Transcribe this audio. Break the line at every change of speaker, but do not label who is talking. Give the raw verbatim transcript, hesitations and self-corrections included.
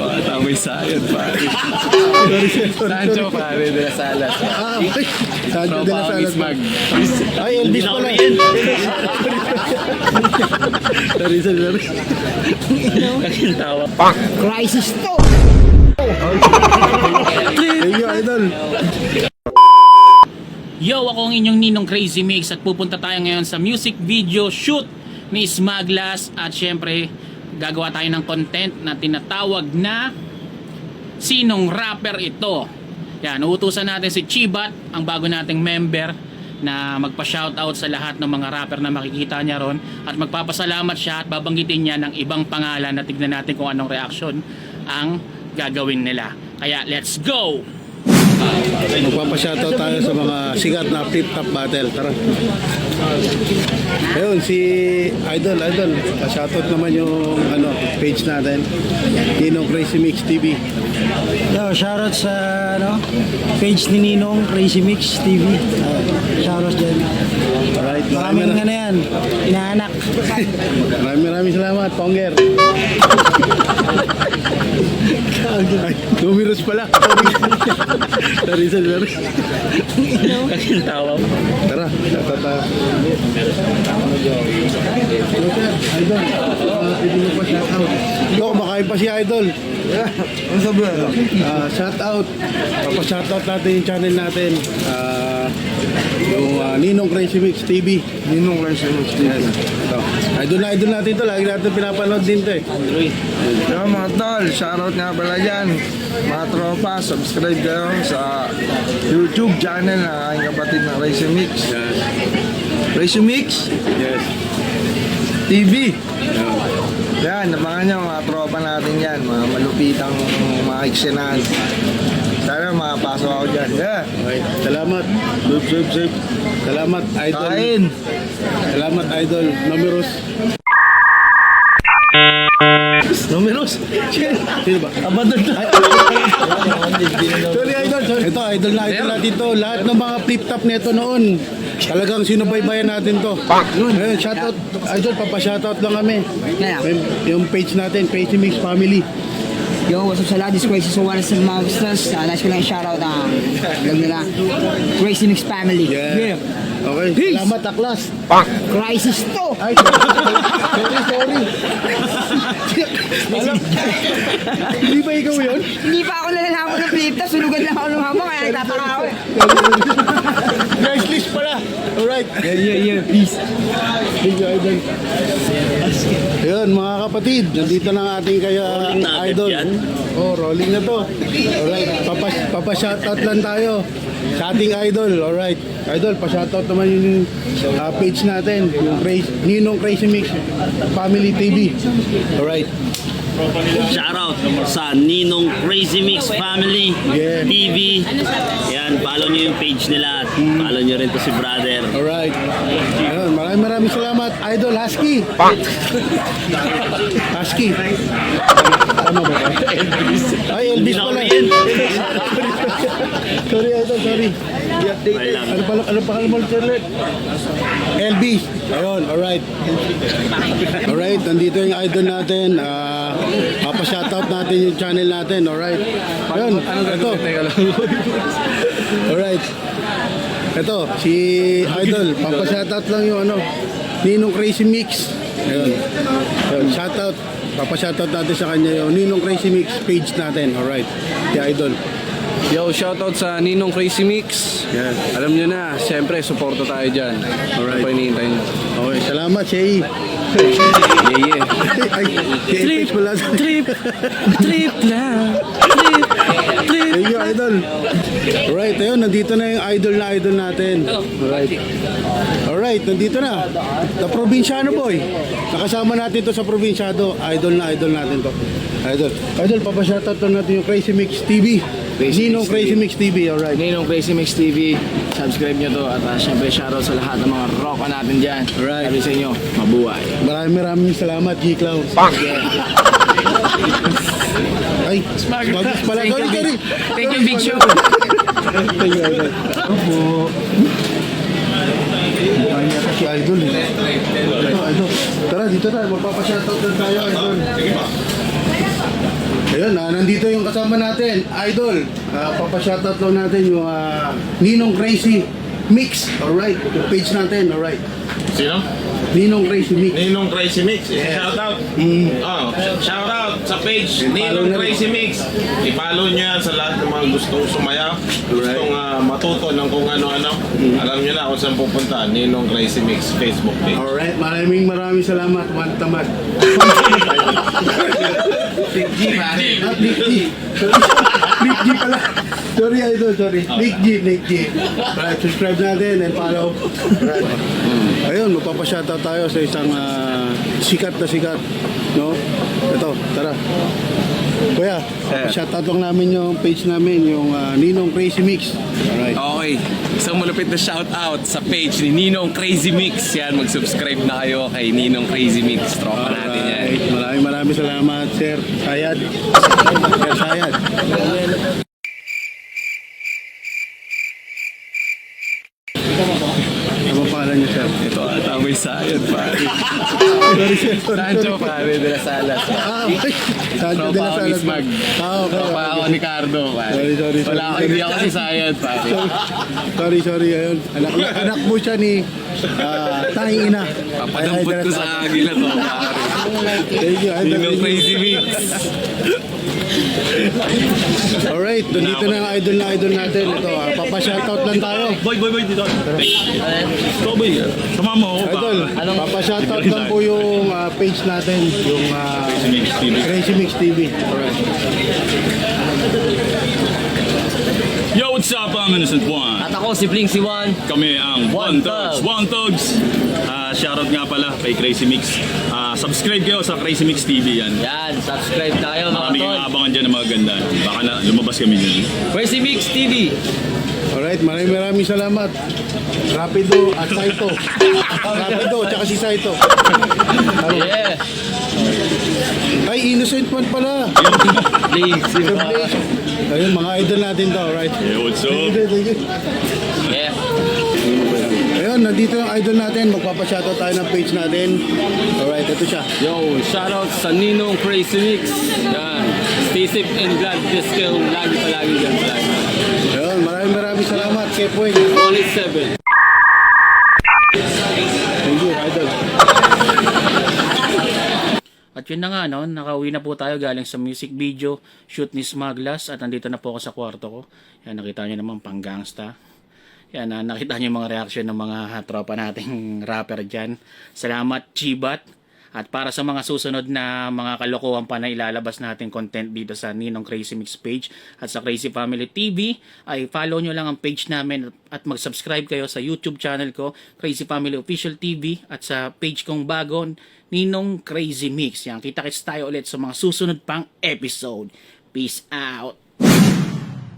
Tamay sayad, pare. Sancho, pare, de la Salas.
Ah, okay. Sancho de la Salas.
Mag.
Ay, Elvis pala. Sorry, sorry, sorry.
Ang tawa.
Crisis to!
Thank you, idol.
Yo, ako ang inyong Ninong Crazy Mix at pupunta tayo ngayon sa music video shoot ni Smaglas at syempre gagawa tayo ng content na tinatawag na Sinong Rapper Ito. Yan, uutusan natin si Chibat, ang bago nating member, na magpa-shoutout sa lahat ng mga rapper na makikita niya ron at magpapasalamat siya at babanggitin niya ng ibang pangalan na tignan natin kung anong reaction ang gagawin nila. Kaya let's go!
Magpapashoutout tayo sa mga sikat na flip-top battle. Tara. Ayun, si Idol, Idol. Pa-shoutout naman yung ano, page natin. Ninong Crazy Mix T V.
Yo, shoutout sa ano, page ni Ninong Crazy Mix T V. Uh, shoutout dyan.
Alright,
Maraming
maraming
ano yan, inaanak.
maraming maraming salamat, Ponger. Ay, numerous pala. Sorry, sorry, sorry.
Ang tawa.
Tara, shoutout tayo. Idol, uh, pwede mo pa shoutout. Ito, kumakain pa si Idol. Ano sabi ano? Uh, shoutout. Papa-shoutout natin yung channel natin. Uh, yung uh, Ninong Crazy Mix T V. Ninong Crazy Mix T V. Yes. Ito. Idol na idol natin ito. Lagi natin pinapanood din ito eh.
Yo mga tol, shoutout nga pala dyan. Mga tropa, subscribe kayo sa YouTube channel ng aking kapatid na Crazy Mix.
Yes.
Crazy Mix
Yes.
T V.
Yeah.
Yan, nabangan nyo mga tropa natin yan. Mga malupitang mga eksyenahan. Sana makapasok ako dyan. Yeah.
Okay. Salamat. Sub, sub, sub. Salamat, Idol.
Kain!
Salamat, Idol. Numerous. Numerous? Sino ba? Abandon na. Sorry, Idol. Sorry. Ito, Idol na idol natin to. Lahat ng mga flip-top nito noon. Talagang sinubaybayan natin to. Ngayon, shoutout. Idol, papashoutout lang kami. Yung, yung page natin, Crazy Mix Family.
Yo, what's up sa lahat? This is Crazy so one sa mga busters. Uh, nice ko lang shoutout ang vlog nila. Crazy Mix Family.
Yeah. Okay,
Peace.
salamat, Aklas.
Crisis to!
Ay, sorry, sorry. Alam, hindi ba ikaw yun?
Hindi pa ako nalalaman ng flip-top. Sulugan lang ako ng hamon kaya nagtataka ako eh.
Guys, list pala. Alright.
Yeah, yeah, yeah. Peace.
Thank you, Idol. Ayun, mga kapatid, nandito na ang ating kaya Idol. Oh, rolling na to. Alright, papa, papa shoutout lang tayo sa ating Idol. Alright, Idol, pa-shoutout naman yung uh, page natin, yung Crazy, Ninong Crazy Mix Family T V. Alright.
Shoutout sa Ninong Crazy Mix Family
Yeah.
T V. Yan, follow nyo yung page nila at follow nyo rin to si brother.
Alright. Ayun, maraming maraming salamat, Idol Husky. Husky. Tama ba? Elvis. Ay, Elvis pala. Sorry, Idol, sorry. Ano pala, ano pa mo ulit? Elvis. Ayun, alright. Alright, nandito yung idol natin. Ah, papa-shoutout natin yung channel natin, alright. Ayun, ito. Alright. Ito, si Idol, papa-shoutout lang yung ano, Ninong Crazy Mix. Ayun. Ayun, shoutout. Papa-shoutout natin sa kanya yung Ninong Crazy Mix page natin, alright. Si Idol.
Yo, shoutout sa Ninong Crazy Mix.
Yan.
Alam nyo na, siyempre, suporta tayo dyan.
Alright.
Ano pa hinihintay nyo?
Okay, salamat, Shay.
Yeah, yeah.
Ay, si Elvis pala.
Trip, trip lang. Trip, trip.
Thank you, Idol. Alright, ayun, nandito na yung idol na idol natin. Alright. Alright, nandito na. The Provinciano Boy. Nakasama natin to sa Provinciado. Idol na idol natin to. Idol. Idol, papashoutout to natin yung Crazy Mix T V.
Crazy
Ninong
Mix
Crazy
T V.
Mix T V, alright.
Ninong Crazy Mix T V. Subscribe nyo to at uh, syempre shoutout sa lahat ng mga rocka natin dyan.
Alright.
Sabi sa inyo, mabuhay.
Maraming maraming salamat, G-Clown. Ay, Smaglas pala.
Thank
Sorry,
you,
sorry.
Thank you, Big Show.
Thank you, Idol. Opo. Ay, yata si Idol eh. Ito, Idol. Tara, dito na. Magpapashoutout na tayo, Idol. Ayun, ah, nandito yung kasama natin, Idol. Ah, papashoutout lang natin yung ah, Ninong Crazy Mix. Alright, yung page natin, alright.
Sino?
Ninong Crazy Mix.
Ninong Crazy Mix. Shout out.
Mm.
Oh, shout out sa page
I-follow
Ninong
na rin.
Crazy Mix. I-follow nyo yan sa lahat ng mga gustong sumaya, gustong ah, matuto ng kung ano-ano. Alam nyo na kung saan pupunta. Ninong Crazy Mix Facebook page.
Alright, maraming maraming salamat, Juan Tamad.
Big G, pare.
Ah, Nick G. Sorry, Nick G pala. Sorry, Idol, sorry. Nick G, Nick G. Alright, subscribe natin and follow. Alright. Ayun, magpapashoutout tayo sa isang ah, sikat na sikat. No? Ito, tara. Kuya, shoutout lang namin yung page namin, yung ah, Ninong Crazy Mix. Alright.
Okay, isang malupit na shoutout sa page ni Ninong Crazy Mix. Yan, mag-subscribe na kayo kay Ninong Crazy Mix. Tropa natin yan.
Alright, maraming maraming salamat, Sir Sayad. Sir Sayad. Ano pa pangalan niyo, Sir?
Ito ata may sayad, pare.
Sorry, Sir. Sorry,
Sancho,
sorry.
pare, de la Salas.
Ah, okay. Sancho de
Tropa
la
ako ni
Salas.
Smag.
Ah, okay.
Tropa ako ni Cardo, pare.
Sorry, sorry, sorry.
Wala ako, hindi ako si sayad, pare.
Sorry, sorry. Ayun. Anak, anak mo siya ni ah, tanging ina.
Papadampot ko sa agila to, pare.
Thank you. Idol.
Ninong Crazy Mix.
Alright, dito na ang idol na idol natin. Ito, ah, papashoutout lang tayo.
Boy, boy, boy, dito. Ito, boy. Sama mo ako ba?
Idol, papashoutout lang po yung ah, page natin, yung ah, Crazy Mix T V. Alright.
Yo, what's up? I'm Innocent One.
At ako si Bling si Juan.
Kami ang
One
One Thugs. One Thugs. Ah, shoutout nga pala kay Crazy Mix. Ah, subscribe kayo sa Crazy Mix T V yan.
Yan, subscribe tayo mga
Kami
tol.
yung abangan dyan ng mga ganda. Baka na lumabas kami dyan.
Crazy Mix T V.
Alright, maraming maraming salamat. Rapido at Saito. Rapido, tsaka si Saito.
Yeah.
Ay, Innocent One pala.
Bling si
Sir
Juan.
Blaze. Ayun, mga idol natin to, alright.
Hey, what's
Thank
up?
you, thank you.
Yeah.
Ayun, nandito yung idol natin. Magpapashoutout tayo ng page natin. Alright, ito siya.
Yo, shoutout sa Ninong Crazy Mix. Yan. Stay safe and glad this kayo lagi palagi dyan.
Ayun, maraming maraming salamat. Kepoing.
Only seven.
Thank you, idol.
At yun na nga, no? Nakauwi na po tayo galing sa music video shoot ni Smaglas at nandito na po ako sa kwarto ko. Yan, nakita nyo naman pang gangsta. Yan, uh, nakita nyo yung mga reaction ng mga tropa nating rapper dyan. Salamat, Chibat. At para sa mga susunod na mga kalokohan pa na ilalabas natin content dito sa Ninong Crazy Mix page at sa Crazy Family T V, ay follow nyo lang ang page namin at mag-subscribe kayo sa YouTube channel ko, Crazy Family Official T V, at sa page kong bago, Ninong Crazy Mix. Yan, kita-kits tayo ulit sa mga susunod pang episode. Peace out!